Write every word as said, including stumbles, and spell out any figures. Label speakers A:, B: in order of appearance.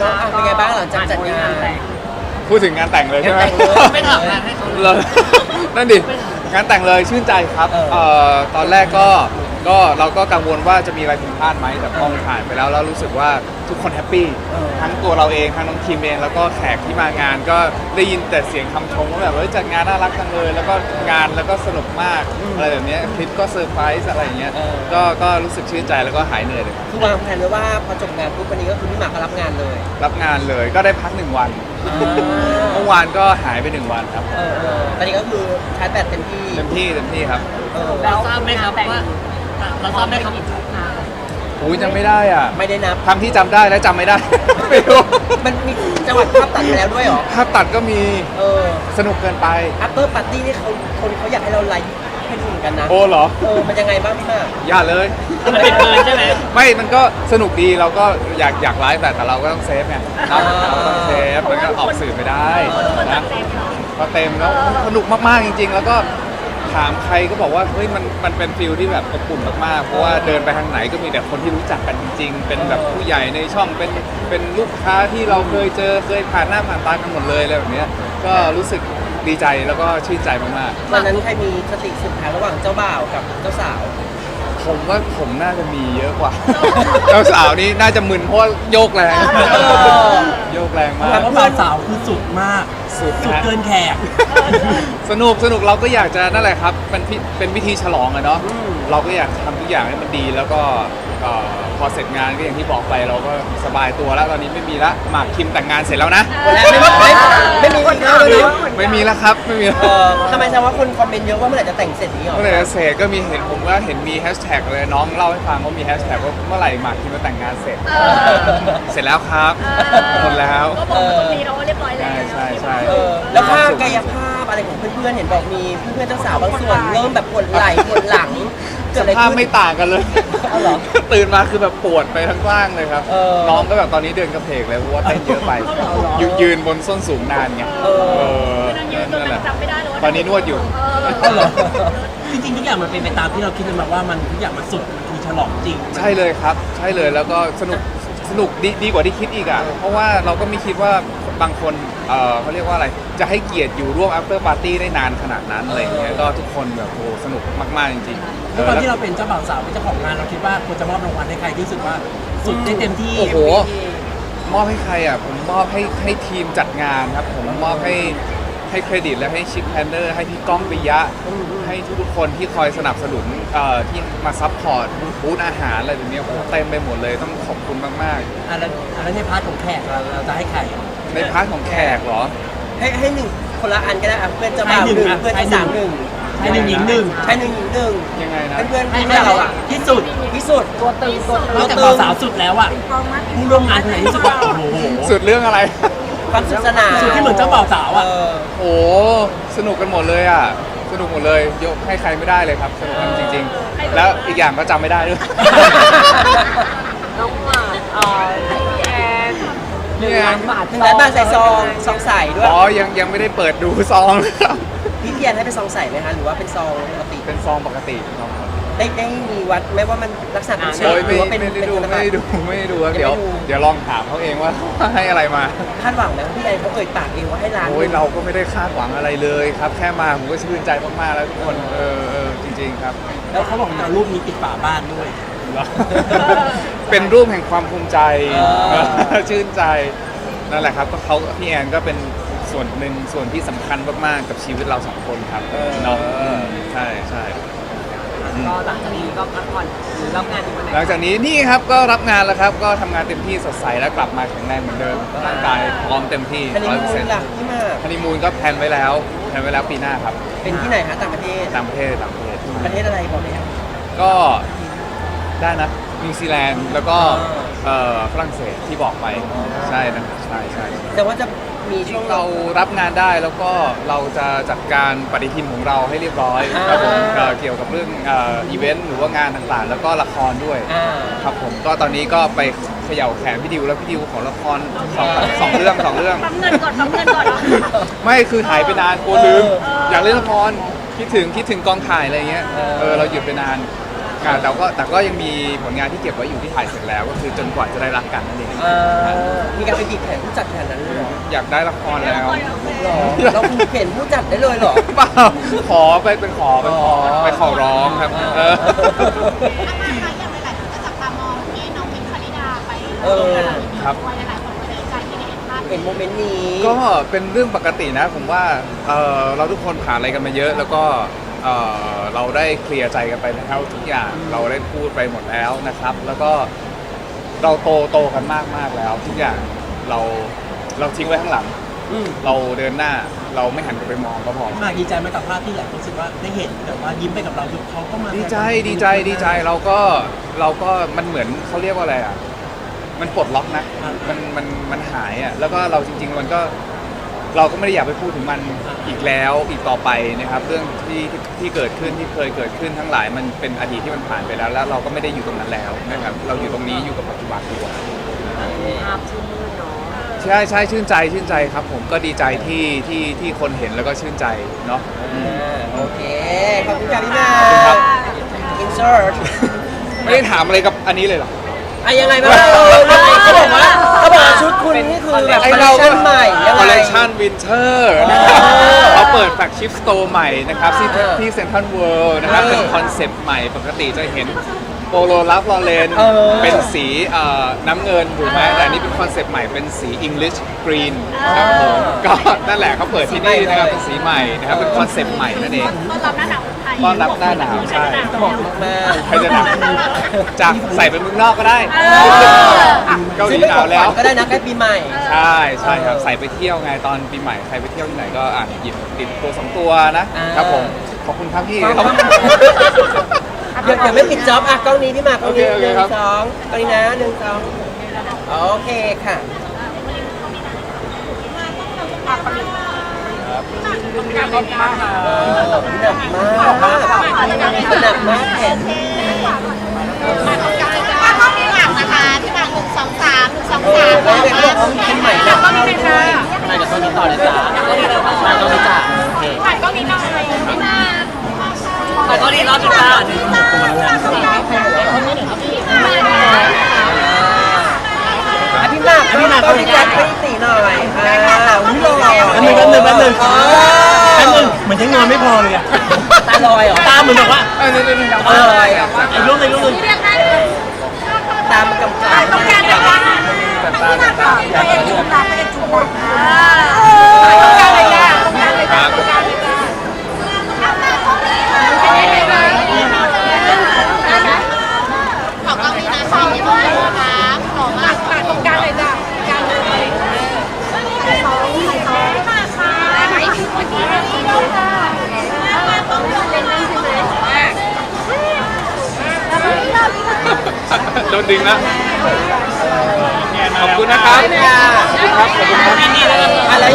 A: เนาะอ่ะเป็นไงบ้างหลังจากจัดงาน
B: พูดถึงงานแต่งเลยใช่ไหม
C: ไม่ทำงานให้เขา
B: เลย นั่นดิงานแต่งเลยชื่นใจครับ
A: เออ
B: เอ่อตอนแรกก็ก็เราก็กังวลว่าจะมีอะไรผิดพลาดไหมแต่พอมันผ่านไปแล้วแล้วรู้สึกว่าทุกคนแฮปปี้ทั้งตัวเราเองทั้งน้องทีมเองแล้วก็แขกที่มางานก็ได้ยินแต่เสียงคำชมว่าแบบว่าจัดงานน่ารักจังเลยแล้วก็งานแล้วก็สนุกมากอะไรแบบเนี้ยคลิปก็เซอร์ไพรส์อะไรอย่างเงี้ยก็ก็รู้สึกชื่นใจแล้วก็หายเหนื่อยเลยครับ
A: คือวางแผนไว้ว่าพอจบงานปุ๊บวันนี้ก็คือพี่หมากก็รับงานเลย
B: รับงานเลยก็ได้พักหนึ่งวัน
A: อ่า
B: เมื่อวานก็หายไปหนึ่งวันครับ
A: เออเออตอนนี้ก็คือชาร์จแบตเต็มที่
B: เต็มที่เต็มที่ครับ
A: เออ
C: เราทราบไหมครับว่าเราทราบไหมครับ
B: อุ้ยจำไม่ได้อ่ะ
A: ไม่ได้นับ
B: ทำที่จำได้และจำไม่ได้ ไม่รู้
A: มันมีจังหวัดภาพตัดไปแล้วด้วยเหรอ
B: ภาพตัดก็มี
A: เออ
B: สนุกเกินไป
A: after party นี่เขาคนเขาอยากให้เราไลฟ์ให้ดูเหมือนกันนะ
B: โอ้เหรอ
A: เออมันยังไงบ้างพี่หมาก
B: อย่าเลย
C: มันเป็นเกินใช่ไหม
B: ไม่มันก็สนุกดีเราก็อยากอยากไลฟ์แต่แต่เราก็ต้องเซฟไงเราต้องเซฟมันก็ออกสื่อไม่ได้นะพอเต็มแล้วสนุกมากๆจริง ๆ แล้วก็ถามใครก็บอกว่าเฮ้ยมันมันเป็นฟิลที่แบบอบอุ่นมากๆเพราะว่าเดินไปทางไหนก็มีแต่คนที่รู้จักกันจริง ๆ เป็นแบบผู้ใหญ่ในช่องเป็นเป็นลูกค้าที่เราเคยเจอเคยผ่านหน้าผ่านตากันหมดเลยอะไรแบบเนี้ยก็รู้สึกดีใจแล้วก็ชื่นใจมากๆ
A: วันนั้นใครมีสติสุดท้ายระหว่างเจ้าบ่าวกับเจ้าสาว
B: ผมว่าผมน่าจะมีเยอะกว่า เจ้าสาวนี่น่าจะมึนเพราะว่าโยกแรง โยกแรงมา
D: แต่
B: ก
D: ว่าบ่าวสาวคือสุดมาก
B: สุด
D: สุด
B: นะ
D: เกินแขก
B: สนุกสนุกเราก็อยากจะนั่นแหละครับเป็นพิเป็นวิธีฉลองอะเนาะเราก็อยากทำทุกอย่างให้มันดีแล้วก็เอ่อพอเสร็จงานก็อย่างที่บอกไปเราก็สบายตัวแล้วตอนนี้ไม่มีละหมากคิมแต่งงานเสร็จแล้วนะ
A: และไม่ไม่ไม่มีคนเข้าเลยนะ
B: ไม่มีแล้วครับไม่มีแล้ว
A: เออทำไมแสดงว่าคนคอมเมนต์เยอะว่าเมื่อไหร่จะแต่งเสร็จนี้หรอ
B: เมื่อไหร่จะเสร็จก็มีเห็นผมว่าเห็นมีแฮชแท็กเลยน้องเล่าให้ฟังว่ามีแฮชแท็กว่าเมื่อไหร่หมากคิมจะแต่งงานเสร็จ เสร็จแล้วครับหมดแล้ว
E: ก็บอกว่าตรงนี้เราก็เรียบร้อยแล้ว
B: ใช่ใช่
A: เออแล้วภาพกายภาพอะไรของเพื่อนๆเห็นบอกมีเพื่อนๆเจ้าสาวบางส่วนเริ่มแบบปวดไหล่ปวดหลังเกิ
B: ส
A: ดอะไร
B: ภาพ
A: ขึ้น
B: ไม่ต่างกันเลย
A: เอาเหรอ
B: ตื่นมาคือแบบปวดไปทั้งร่างเลยครับ
A: เออ
B: น้องก็แบบตอนนี้เดินกระเพกเลยเพราะว่าเต้นเยอะไปยืนยืนบนส้นสูงนานไง
A: เออ
B: เออ
E: นั่งยืนจน
B: นั่นแหละ
E: จำไม่ได้เลยว่า
B: ตอนนี้นวดอยู่
E: เออ
D: เอาเหรอ จริงๆทุกอย่างมันเป็นไปตามที่เราคิดกันมาว่ามันทุกอย่างมันสุดมันคือฉลองจริง
B: ใช่เลยครับ ใช่เลยแล้วก็สนุกสนุกดีดีกว่าที่คิดอีกอ่ะเพราะว่าเราก็ไม่คิดว่าบางคนเออเขาเรียกว่าอะไรจะให้เกียรติอยู่ร่วม after party ได้นานขนาดนั้นอะไรอย่างเงี้ยก็ทุกคนแบบโอ้สนุกมากๆจริงๆ
D: ด้วยความที่
B: แล้ว
D: เราเป็นเจ้าบ่าวสาวเป็นเจ้าของงานเราคิดว่าควรจะมอบรางวัลให้ใครที่รู้สึกว่าสุดได้เต็มที่
B: โอ้โห มอบให้ใครอ่ะผมมอบให้ให้ทีมจัดงานครับผมมอบให้ให้เครดิตและให้ชิปแพนเนอร์ให้พี่ก้องปิยะ ให้ทุกๆคนที่คอยสนับสนุนเอ่อที่มาซัพพอร์ตบูธอาหารอะไรแบบเนี้ยโอ้โหเต็มไปหมดเลยต้องขอบคุณมาก
D: อ่ะแล้วอ่ะแล้วในพาร์ทของแขกเราเราจะให้ใคร
B: ๆ ในพาร์ทของแขกเหรอ
A: ให้ให้หนึ่งคนละอันก็ได้อ่ะเพื่อนเจ้าบ่าวหนึ่งเพื่อนเจ้าสาวหนึ่ง
D: ให้หนึ่งหญิงหนึ่ง
A: ใช่หนึ่งหญิงหนึ่ง
B: ยังไงนะ
A: เพื่อน
D: ให้
A: ๆ
D: ให้
A: เพื่อน
D: เรา
A: เรา
D: อะ
A: อ่ะ
D: ที่สุด
A: ที่สุด
E: ตัวตึงตัวตึง
D: นอกจากบ่าวสาวสุดแล้วอะผู้ร่วมงานคนไหนที่สุดว่าโอ้โห
B: สุดเรื่องอะไร
A: ความสุขสนาน
D: สุดที่เหมือนเจ้าบ่าวสาวอะ
A: เออ
B: โอ้สนุกกันหมดเลยอ่ะสนุกหมดเลยยกให้ใครไม่ได้เลยครับสนุกกันจริง ๆ แล้วอีกอย่างก็จำไม่ได้ด้วย
E: น้องหมาเอ่อพี่แอน
B: เนี่ย
A: บาทหนึ่งล้านบาทใส่ซองซองใส่ด้วย
B: อ๋อยังยังไม่ได้เปิดดูซองเลยครับ
A: พี่เพียรให้เป็นซองใส่ไหมคะหรือว่าเป็นซองปกติ
B: เป็นซองปกติเป็นซองปกติ
A: ได้ได้มีวัดไหมว่ามันลักษณะเป็นเช็ค
B: โอ้ย
A: ห
B: ไม่
A: รือว่าเป็น
B: ไม่ได้ดู
A: เป็นธน
B: ไม่
A: บัต
B: ได้
A: ร
B: ดูไม่ได้ดูครับ
A: ยังไม่
B: เดี๋ยว
A: ดู
B: เดี๋ยวลองถามเขาเองว่า ให้อะไรมา
A: คาดหวังไหมว่าพี่แอนเขาเอ่ยปากเองว่าให้ร้าน
B: โอ้ยเราก็ไม่ได้คาดหวังอะไรเลยครับ แค่มาผมก็ชื่นใจมากๆแล้วทุกคนเออเออจริง ๆ ครับ
D: แล้วเขาบอกจะเอารูปนี้ติดฝาบ้านด้วย
B: เหรอ เป็นรูปแห่งความภูมิใจ ชื่นใจนั่นแหละครับก็เขาพี่แอนก็เป็นส่วนหนึ่งส่วนที่สำคัญมากๆกับชีวิตเราสองคนครับเนาะอืมใช่ใช่
C: ก็หลังจากนี้ก็พักผ่อนหรือรับงานอีกวันไหน
B: หลังจากนี้นี่ครับก็รับงานแล้วครับ ก็ทำงานเต็มที่สดใสแล้วกลับมาแข็งแรงเหมือนเดิมร่างกายพร้อมเต็มที่
A: ฮันนี
B: ร้อยเปอร์
A: มู
B: เซ็น
A: น
B: ต์
A: ล่ะพี่มาก
B: ฮันนีมูนก็แพลนไว้แล้วแพลนไว้แล้วปีหน้าครับ
A: เป็นที่ไหนคะต่างประเทศ
B: ต่างประเทศต่างประเทศ
A: ประเทศอะไรบอกเลยครับ
B: ก็ได้นะนิวซีแลนด์แล้วก็เอ่อฝรั่งเศสที่บอกไปใช่นะใช่ใช่
A: แต่ว่าจะมีช่วง
B: เรารับงานได้แล้วก็เราจะจัดการปฏิทินของเราให้เรียบร้อยครับผมเอ่อเกี่ยวกับเรื่องเอ่ออีเวนต์หรือว่างานต่างๆ แล้วก็ละครด้วย
A: อ่า
B: ครับผมก็ตอนนี้ก็ไปเขย่าแขนพี่ดิวแล้วพี่ดิวของละครสองสองเรื่องสองเรื่อง
E: ปั๊มเงินก่อนปั๊มเงินก่อนเหรอ
B: ไม่คือหายไปนานกลัวลืม
A: เออ
B: อยากเล่นละครคิดถึงคิดถึงกองถ่ายอะไรเงี้ยเออเราหยุดไปนานอ่าแต่ก็แต่ก็ยังมีผลงานที่เก็บไว้อยู่ที่ถ่ายเสร็จแล้วก็คือจนกว่าจะได้รักกันนั่นเอง
A: เออมีการไปบีบแขนผู้จัดแทนนั้นเลยเหรอ
B: อยากได้ละครแล้ว
A: หรอเราคือเห็นผู้จัดได้เลยเหรอ
B: เปล่าขอไปเป็นขอไปขอไปขอร้องครับเออ
E: อาการคะอย่างหลายๆคนก็จับตามองที่น้องมินท์พาริดาไป
A: เออ
B: ครับ
E: ด้วยหลายๆคนก็ดีใจที่ได้เห็นภาพ
A: เห็นโมเมนต์นี้
B: ก็เป็นเรื่องปกตินะผมว่าเอ่อเราทุกคนผ่านอะไรกันมาเยอะ แล้วก็เอ่อเราได้เคลียร์ใจกันไปแล้วทุกอย่างเราได้พูดไปหมดแล้วนะครับ แล้วก็เราโตโตกันมากมากๆแล้วทุกอย่างเราเราทิ้งไว้ข้างหลัง
A: อืม
B: เราเดินหน้าเราไม่หันกลับไปมองก็พอ
D: มากดีใจไหมกับภาพที่หลายคนรู้สึกว่าได้เห็นแต่ว่ายิ้มไปกับเราคือเขาก็มา
B: ดีใจดีใจดีใจเราก็เราก็มันเหมือนเขาเรียกว่าอะไรอ่ะมันปลดล็อกนะมันมันมันหายอ่ะแล้วก็เราจริง ๆ มันก็เราก็ไม่ได้อยากไปพูดถึงมันอีกแล้วอีกต่อไปนะครับ เรื่องที่ที่ที่เกิดขึ้นที่เคยเกิดขึ้นทั้งหลายมันเป็นอดีตที่มันผ่านไปแล้ว แล้วเราก็ไม่ได้อยู่ตรงนั้นแล้วนะครับเราอยู่ตรงนี้อยู่กับปัจจุบันดีกว่า
C: ภาพชื่นมื่นเนาะ
B: ใช่ใช่ชื่นใจชื่นใจครับ ผมก็ดีใจที่ที่ที่คนเห็นแล้วก็ชื่นใจเนาะ
A: อ่าโอเค ขอบคุณค่ะพี่มา
B: ขอบคุณครับ
A: อินเสิร์ต
B: ไม่ได้ถามอะไรกับอันนี้เลยเหรอ
A: อะยังไงบ้างเออเขาบอกว่าเขาบอกว่าชุดคุณนี่คือแบบคอลเลคชั่นใหม่ยัง
B: คอล
A: ไง
B: เลคชันวินเทอร์
A: อ
B: เขาเปิดแฟลกชิพสโตร์ใหม่นะครับที่
A: เออ
B: ที่เซ็นทรัลเวิลด์นะครับ
A: เออ
B: เป็นคอนเซปต์ใหม่ปกติจะเห็นโปโลลัฟลอเรน
A: เออ
B: เป็นสีเอ่อน้ำเงินถูกไหมแต่อันนี้เป็นคอนเซปต์ใหม่เป็นสี English Green ครับผมก็นั่นแหละเขาเปิดที่นี่นะครับเป็นสีใหม่นะครับเป็นคอนเซปต์ใหม่นั่นเอง
E: ต้อนรับหน้าหนาวไทย
B: ต้อนรับหน้าหนาวใช่
A: เหมาะมาก
B: ใครจะหนาวจากใส่เป็นเมืองนอกก็ได้ เกาหลีหนาวแล้ว
A: ก็ได้นะใกล้ปีใหม่
B: ใช่ใช่ครับใส่ไปเที่ยวไงตอนปีใหม่ใครไปเที่ยวที่ไหนก็อ่ะหยิบติดตัวสองตัวนะ
A: อ่า
B: ครับผมขอบคุณครับพี่
A: ขอบคุณ เดี๋ยวเดี๋ยวไม่ปิดจ็อบอ่ะกล้องนี้พี่หมากกล้องนี้
B: โอเคโอ
A: ห
B: เค
A: นึ่ง
B: ครับ
A: สองกล้องนี้นะหนึ่งสองโอเคค่ะหนักมากหนักมากหนักมากแขน
E: มาห้องนี้หลังนะคะพี่หมากหนึ่งสองสามหนึ่งสอง
A: เอ
E: สา
A: อ
E: ม
A: แล้วเนี่ยเขาบอกว่าเป็นใหม่หนัก
E: ก็มีเป็นค่ะ
A: ใช่เดี๋ยวตอนนี้ต่อเลยจ้าตอนนี้จ้าโอเค
E: ถ่ายก็มีหน่อยพี่หมาก
C: แต่ก็ดีรอบจุดจ้า
A: อ่ะพี่หมากพี่หมากเขาพี่แจ็คไปตีหน่อยอ่าอุ้ยหล่อ
D: แป๊บนึงแป๊บนึงแป๊บนึง
A: อ๋อ
D: แป๊บนึงเหมือนจะงอนไม่พอเลยอะ
A: ตาลอยเหรอ
D: ตาเหมือนแบบว่า
B: เออนี่นี่นี่
A: เออ
D: ไอ้รูปในรูปหนึง
E: เรียกได้
A: ตามกำกับ
E: ต้องการอะไรบ้างพี่หมากก็ไปเอ็นจูบตาไปเอ็นจูบต้องการอะไรบ้างต้องการอะไรบ้างต้องการอะไรบ้างขอกล้องนี้นะขอไม่ต้องนะคะขอมากปากตรงกลางเลยจ้ะกลางเลยใส่ท้องใส่ท้องมาค่ะได้ไหมเมื่อกี้นี่ด้วยค่ะมาต้องยกเล่นใช่ไหมแล้วก็นี่เราที่
B: โดนดึงแล้วขอบคุณนะครับ
A: ค่ะ
B: ขอบคุณครับ
A: อะไร